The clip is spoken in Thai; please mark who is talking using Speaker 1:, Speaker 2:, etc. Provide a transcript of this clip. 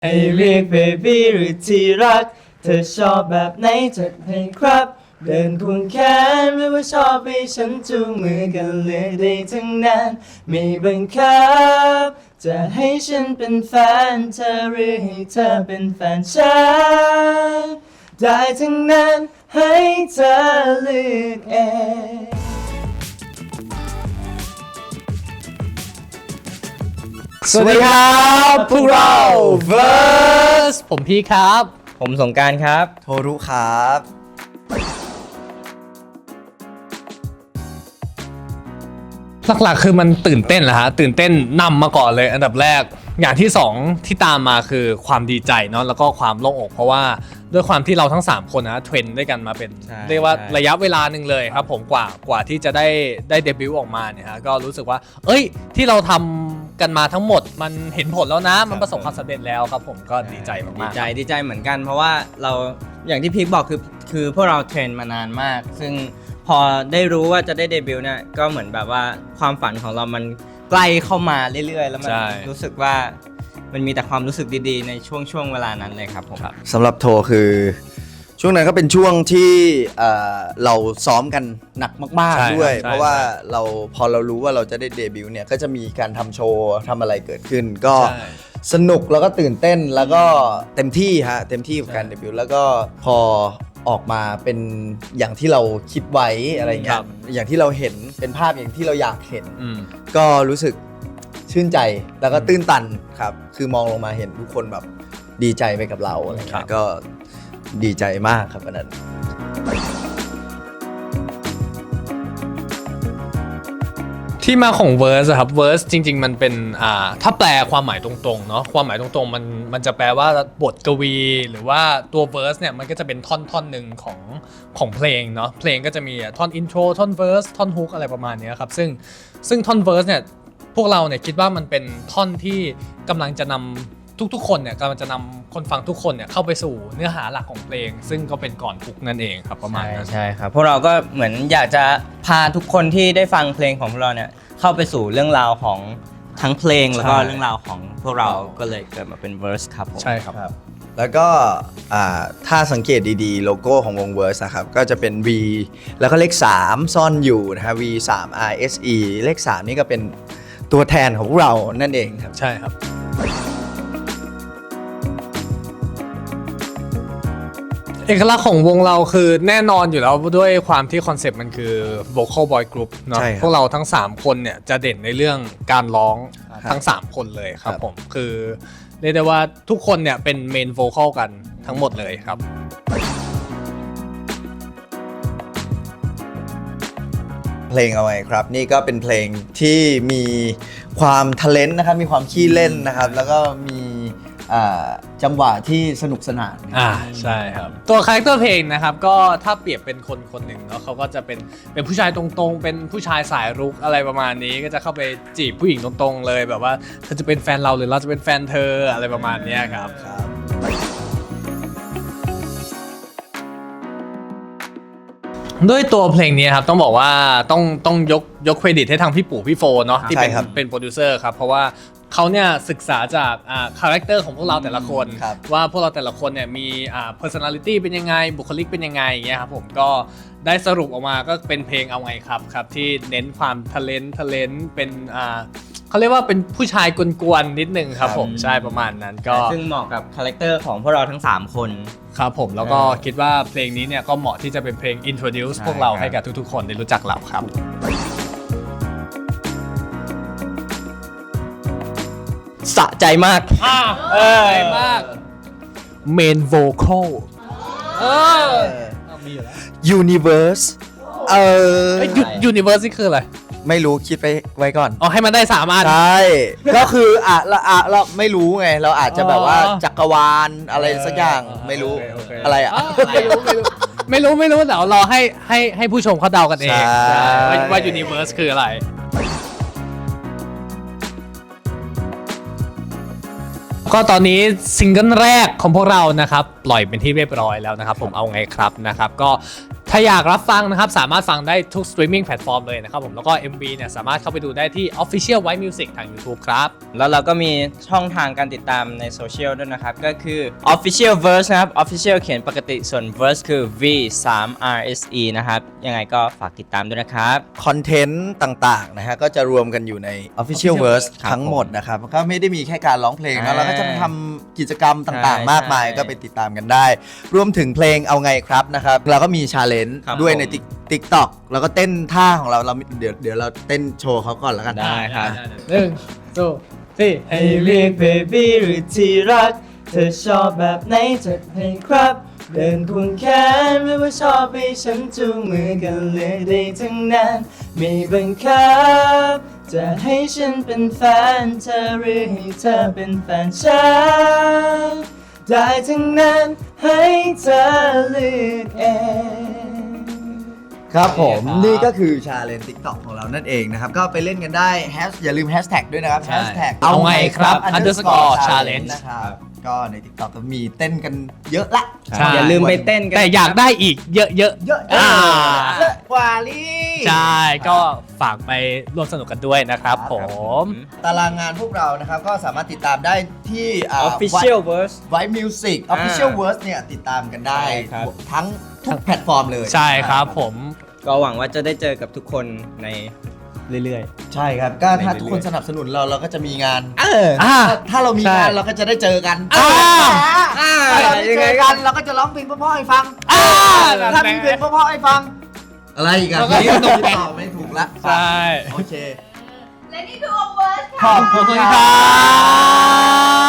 Speaker 1: ให้เรียกเบบี้หรือที่รักเธอชอบแบบไหนจัดให้ครับเดินควงแขนหรือว่าชอบให้ฉันจูงมือกันเลือกได้ทั้งนั้นไม่บังคับจะให้ฉันเป็นแฟนเธอหรือให้เธอเป็นแฟนฉันได้ทั้งนั้นให้เธอเลือกเอง
Speaker 2: สวัสดีครับพวกเรา Verse ผมพี่ครับ
Speaker 1: ผมสงกรานต์ครับ
Speaker 3: โทรุครับ
Speaker 2: หลักๆคือมันตื่นเต้นแหละฮะตื่นเต้นนำมาก่อนเลยอันดับแรกอย่างที่2ที่ตามมาคือความดีใจเนาะแล้วก็ความโล่งอกเพราะว่าด้วยความที่เราทั้ง3คนนะเทรนด้วยกันมาเป็นเรียกว่าระยะเวลาหนึ่งเลยครับผมกว่าที่จะได้เดบิวต์ออกมาเนี่ยฮะก็รู้สึกว่าเอ้ยที่เราทำกันมาทั้งหมดมันเห็นผลแล้วนะมันประสบความสำเร็จแล้วครับผมก็ดีใจมากๆ
Speaker 1: ดีใจเหมือนกันเพราะว่าเราอย่างที่พีคบอกคือพวกเราเทรนมานานมากซึ่งพอได้รู้ว่าจะได้เดบิวต์เนี่ยก็เหมือนแบบว่าความฝันของเรามันใกล้เข้ามาเรื่อยๆแล้วมันรู้สึกว่ามันมีแต่ความรู้สึกดีๆในช่วงเวลานั้นเลยครับผม
Speaker 3: สำหรับโทคือช่วงนั้นก็เป็นช่วงที่เราซ้อมกันหนักมากๆด้วยเพราะว่าพอเรารู้ว่าเราจะได้เดบิวต์เนี่ยก็จะมีการทำโชว์ทำอะไรเกิดขึ้นก็สนุกแล้วก็ตื่นเต้นแล้วก็เต็มที่กับการเดบิวต์แล้วก็พอออกมาเป็นอย่างที่เราคิดไว้อะไรเงี้ยอย่างที่เราเห็นเป็นภาพอย่างที่เราอยากเห็นก็รู้สึกชื่นใจแล้วก็ตื้นตันครับคือมองลงมาเห็นทุกคนแบบดีใจไปกับเราอะไรเงี้ยก็ดีใจมากครับวันนั้น
Speaker 2: ที่มาของ verse ครับ verse จริงๆมันเป็นถ้าแปลความหมายตรงๆเนาะความหมายตรงๆมันจะแปลว่าบทกวีหรือว่าตัว verse เนี่ยมันก็จะเป็นท่อนหนึ่งของเพลงเนาะเพลงก็จะมีท่อน intro ท่อน verse ท่อน hook อะไรประมาณนี้ครับซึ่งท่อน verse เนี่ยพวกเราเนี่ยคิดว่ามันเป็นท่อนที่กำลังจะนำทุกๆคนเนี่ยกำลังจะนำคนฟังทุกคนเนี่ยเข้าไปสู่เนื้อหาหลักของเพลงซึ่งก็เป็นก่อนฮุกนั่นเองครับประมาณนั้น
Speaker 1: ใช่ครับพวกเราก็เหมือนอยากจะพาทุกคนที่ได้ฟังเพลงของพวกเราเนี่ยเข้าไปสู่เรื่องราวของทั้งเพลงแล้วก็เรื่องราวของพวกเราก็เลยเกิดมาเป็น verse ครับผม
Speaker 2: ใช่ครับ
Speaker 3: แล้วก็ถ้าสังเกตดีๆโลโก้ของวง Verse นะครับก็จะเป็น V แล้วก็เลข3ซ่อนอยู่นะฮะ V 3 R S E เลข3นี่ก็เป็นตัวแทนของพวกเรานั่นเองครับ
Speaker 2: ใช่ครับเอกลักษณ์ของวงเราคือแน่นอนอยู่แล้วด้วยความที่คอนเซปต์มันคือ vocal boy group เนาะพวกเราทั้ง3คนเนี่ยจะเด่นในเรื่องการร้องทั้ง3คนเลยครับผมคือเรียกได้ว่าทุกคนเนี่ยเป็นเมนโวคอลกันทั้งหมดเลยครับ
Speaker 3: เพลงเอาไว้ครับนี่ก็เป็นเพลงที่มีความทะเลนนะครับมีความขี้เล่นนะครับแล้วก็มีจังหวะที่สนุกสนาน
Speaker 2: ใช่ครับตัวคาแรคเตอร์เพลงนะครับก็ถ้าเปรียบเป็นคนหนึ่งเนาะเขาก็จะเป็นผู้ชายตรงๆเป็นผู้ชายสายรุกอะไรประมาณนี้ก็จะเข้าไปจีบผู้หญิงตรงๆเลยแบบว่าเธอจะเป็นแฟนเราหรือเราจะเป็นแฟนเธออะไรประมาณนี้ครับด้วยตัวเพลงนี้ครับต้องบอกว่าต้องยกเครดิตให้ทางพี่ปู่พี่โฟเนาะที่เป็นโปรดิวเซอร์ครับเพราะว่าเขาเนี่ยศึกษาจากคาแรคเตอร์ของพวกเราแต่ละคนว่าพวกเราแต่ละคนเนี่ยมีpersonality เป็นยังไงบุคลิกเป็นยังไงอย่างเงี้ยครับผมก็ได้สรุปออกมาก็เป็นเพลงเอาไงครับที่เน้นความทะเลนเป็นเขาเรียกว่าเป็นผู้ชายกวนๆนิดนึงครับผมใช่ประมาณนั้นก็
Speaker 1: ซึ่งเหมาะกับคาแรคเตอร์ของพวกเราทั้ง3คน
Speaker 2: ครับผมแล้วก็คิดว่าเพลงนี้เนี่ยก็เหมาะที่จะเป็นเพลง introduce พวกเราให้กับทุกๆคนได้รู้จักเราครับ
Speaker 1: สะใจมาก
Speaker 2: มาก main vocal มีอยู่แล้ว
Speaker 3: Universe
Speaker 2: Universe นี่คืออะไร
Speaker 3: ไม่รู้คิดไปไว้ก่อน
Speaker 2: ให้มันได้3อัน
Speaker 3: ใช่ก็คือเราไม่รู้ไงเราอาจจะแบบว่าจักรวาลอะไรสักอย่างไม่รู้อะไร
Speaker 2: ไม่รู้แต่รอให้ผู้ชมเขาเดากันเองว่า Universe คืออะไรก็ตอนนี้ซิงเกิลแรกของพวกเรานะครับปล่อยเป็นที่เรียบร้อยแล้วนะครับผมเอาไงครับนะครับก็ถ้าอยากรับฟังนะครับสามารถฟังได้ทุกสตรีมมิ่งแพลตฟอร์มเลยนะครับผมแล้วก็ MV เนี่ยสามารถเข้าไปดูได้ที่ Official White Music ทาง YouTube ครับ
Speaker 1: แล้วเราก็มีช่องทางการติดตามในโซเชียลด้วยนะครับ ก็คือ Official Verse นะครับ Official เขียนปกติส่วน Verse คือ V3RSE นะครับ ยังไงก็ฝากติดตามด้วยนะครับ
Speaker 3: คอนเทนต์ต่างๆนะฮะก็จะรวมกันอยู่ใน Official Verse
Speaker 1: ครับ
Speaker 3: ทั้งหมดนะครับก็ไม่ได้มีแค่การร้องเพลงนะเราก็จะทำกิจกรรมต่าง
Speaker 1: ใช่
Speaker 3: ๆ มากมาย
Speaker 1: ใช่
Speaker 3: ก็ไปติดตามกันได้ รวมถึงเพลงเอาไงครับนะครับเราก็มีชาเลนจ์
Speaker 1: ครับ
Speaker 3: ด้วยใน
Speaker 1: ผม
Speaker 3: TikTok แล้วก็เต้นท่าของเราเดี๋ยวเราเต้นโชว์เขาก่อนแล้วกัน
Speaker 1: ได้ครับ
Speaker 2: 1 2 4
Speaker 1: ให้เรียก baby หรือที่รัก เธอชอบแบบไหนจัดให้ครับ เดินควงแขนหรือว่าชอบให้ฉันจูงมือกันเลือกได้ทั้งนั้นไม่บังคับ จะให้ฉันเป็นแฟนเธอหรือให้เธอเป็นแฟนฉันได้ทั้งนั้นให้เธอเลือกเอง
Speaker 3: ครับผม
Speaker 2: โอเคครับ
Speaker 3: นี่ก็คือชาเลนจ์ TikTok ของเรานั่นเองนะครับ ก็ไปเล่นกันได้อย่าลืมแฮชแท็กด้วยนะครับ
Speaker 2: ใช่
Speaker 3: แฮชแท็ก
Speaker 2: เอาไงครับ underscore challenge
Speaker 3: นะครับก็ใน TikTok ก็มีเต้นกันเยอะละ
Speaker 2: ใช่
Speaker 1: อย่าลืมไปเต้นกัน
Speaker 2: แต่อยากได้อีกเยอะๆ
Speaker 3: เยอะ
Speaker 2: เยอะ
Speaker 3: กว่าลี่
Speaker 2: ใช่ก็ฝากไปร่วมสนุกกันด้วยนะครับผม
Speaker 3: ตารางงานพวกเรานะครับ ก็สามารถติดตามได้ที่
Speaker 1: Official Verse
Speaker 3: White Music Official Verse เนี่ยติดตามกันได้
Speaker 1: ใช่ครับ
Speaker 3: ทั้งทุกแพลตฟอร์มเลย
Speaker 2: ใช่ครับผม
Speaker 1: ก็หวังว่าจะได้เจอกับทุกคนในเรื่อย
Speaker 3: ใช่ครับ ก็ถ้า
Speaker 1: ในเรื่อยๆ
Speaker 3: ทุกคนสนับสนุนเราก็จะมีงาน
Speaker 2: อ่า
Speaker 3: ถ้าเรามี
Speaker 2: ใช่
Speaker 3: งานเราก็จะได้เจอกัน
Speaker 2: อ่า
Speaker 3: ถ้าเราได้เจอกันเราก็จะร้องเพลงเพราะๆให้ฟัง
Speaker 2: อ่า
Speaker 3: ถ้ามีเพลงเพราะๆให้ฟัง อะไรอีกอ่ะ
Speaker 2: เราก็
Speaker 3: นี่ก็ตอบไม่ถูกละ
Speaker 2: ใช่
Speaker 3: โอเค
Speaker 4: และนี่คือโอเวอร์
Speaker 3: ขอบ
Speaker 2: ข
Speaker 3: คุ
Speaker 2: อบ
Speaker 3: ณ
Speaker 2: คุณ
Speaker 3: ค
Speaker 2: ค
Speaker 3: รั
Speaker 2: รับ บ